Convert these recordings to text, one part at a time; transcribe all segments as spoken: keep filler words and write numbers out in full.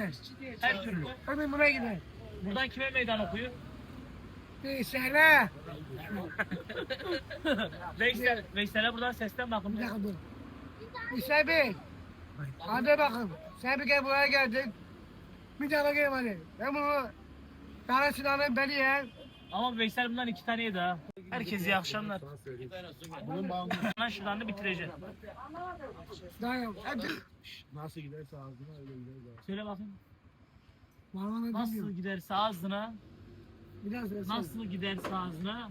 gider. Her türlü. Öbür buraya gider. Buradan kime meydan okuyor? Veysel'e. Veysel. Veysel'e buradan seslen Bir bakın. dakika dur. Veysel Bey. Hadi bakın. Sen bir kere buraya geldin. Bir daha bakayım hadi. Ben bunu Kara Sinan'ın beni yer. Ama Veysel bundan iki tane yedi ha. Herkese iyi akşamlar. Bunun bağımlı Lan şuradan da bitireceğim. Dayan. Hadi. nasıl giderse ağzına öyle gider zaten. Söyle bakayım. Bana Nasıl bilmiyorum. giderse ağzına, Biraz da nasıl giderse ağzına,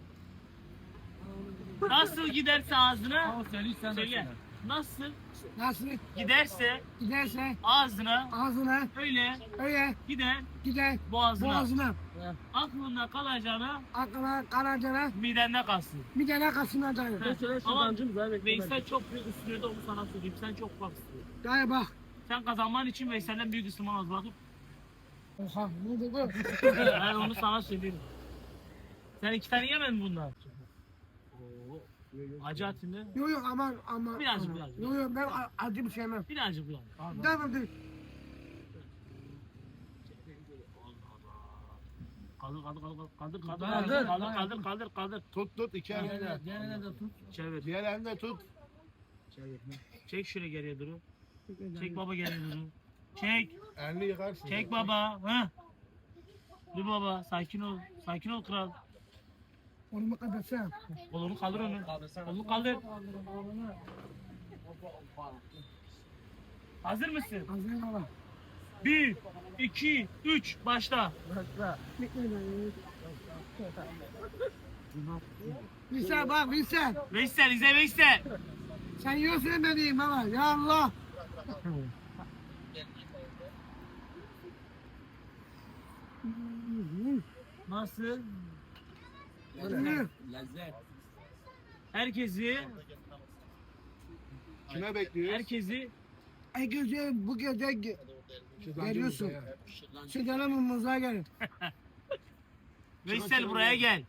nasıl giderse ağzına, söyle. Nasıl Nasıl giderse giderse ağzına, ağzına öyle öyle gider gider boğazına. boğazına. Aklında kalacağına Aklına karacana midende kalsın. bir tane kasına dayan. Ama Veysel çok büyük ısırıyordu, onu sana söyleyeyim. Sen çok ufak ısırıyorsun. Dayan bak. Sen kazanman için Veysel'den büyük ısırman az bakıp. Oha ne oldu bu? Ben onu sana söyleyeyim. Sen iki tane yemedin bundan. Acı atın değil mi? Yok yok aman aman. Birazcık, aman. birazcık. Yok yok ben a- acı bir şey yemem. Birazcık ulan. Tamam dur. Kaldır kaldır kaldır kaldır kaldır Kaldır. kaldır kaldır kaldır kaldır. Tut tut iki elini. Diğerine de tut. Çevir. Diğer elini de tut. Çek şöyle geriye duru. Çek baba geriye duru. Çek. Elini yıkarsın. Çek baba. Ha. Dur baba. Sakin ol. Sakin ol kral. Onu kapatsam. Kolunu kaldır onu. Kolunu kaldır. Hazır mısın? Hazır baba. Bir, iki, üç. Başla. Veysel bak Veysel. Veysel izle Veysel. Sen yiyorsun ben yiyeyim baba. Ya Allah. Nasıl? Yürü. Herkesi, Kime bekliyoruz? herkesi E gece bu gece ge- Şuradan geliyorsun. ya. Sigara mumuza gelin. Veysel buraya gel.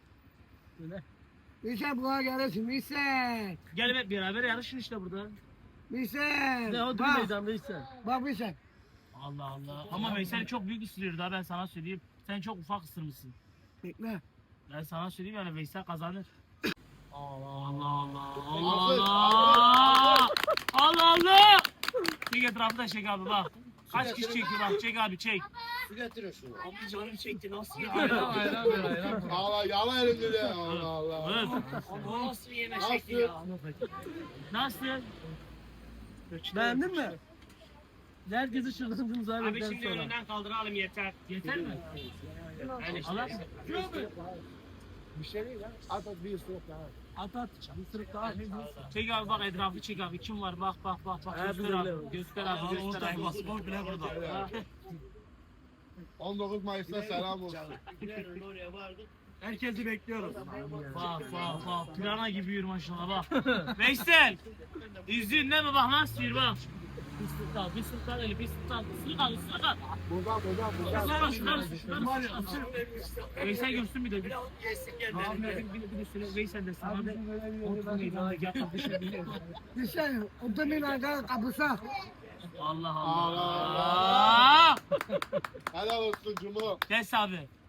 Veysel buraya gelirsin. Veysel. Gel hep beraber yarışın işte burada. Veysel. Bak. Veysel. Bak Veysel. Allah Allah. Ama Veysel çok büyük ısırıyor daha ben sana söyleyeyim. Sen çok ufak ısırmışsın. Bekle. Ben sana söyleyeyim yani Veysel kazanır. Allah Allah Allah Hazır, Allah Allah Allah. Çek etrafı da çek abi bak. Kaç kişi çekiyor bak çek abi çek. Su getirin şunu. Abi canım çekti nasıl ya? Ayran ayran ver ayran. Allah yala elini de. Allah Allah. Evet. Bu nasıl bir yeme Nasıl? Nasıl? Beğendin mi? Herkesi şırdancımız abi. Abi şimdi önünden kaldıralım yeter. Yeter mi? Yani Allah. Bir şey değil ya. At at bir ısırık daha. At at. Bir sırık daha. Çek abi bak etrafı çek abi. Kim var bak bak bak bak. Ha, Göster bir abi. de- Göster abi göster abi. Pasport bile burada. on dokuz Mayıs'ta selam olsun. Herkesi bekliyoruz. Bak bak bak. Pirana gibi yürü maşallah bak. Veysel. İzliyorsun değil mi bak nasıl yürü bak. Bir sırık al, bir sırık al, bir sırık al, bir sırık al, bir sırık al. Buradan buradan buradan. Şunları şunları şunları şunları. Veysel görsün bir de. Bir, bir, bir, bir de söyle Veysel de sana bir otur meydana gel kardeşim. Veysel. Otomobil arka kapısa. Allah Allah. Allah. Helal olsun Cumhur. Kes abi.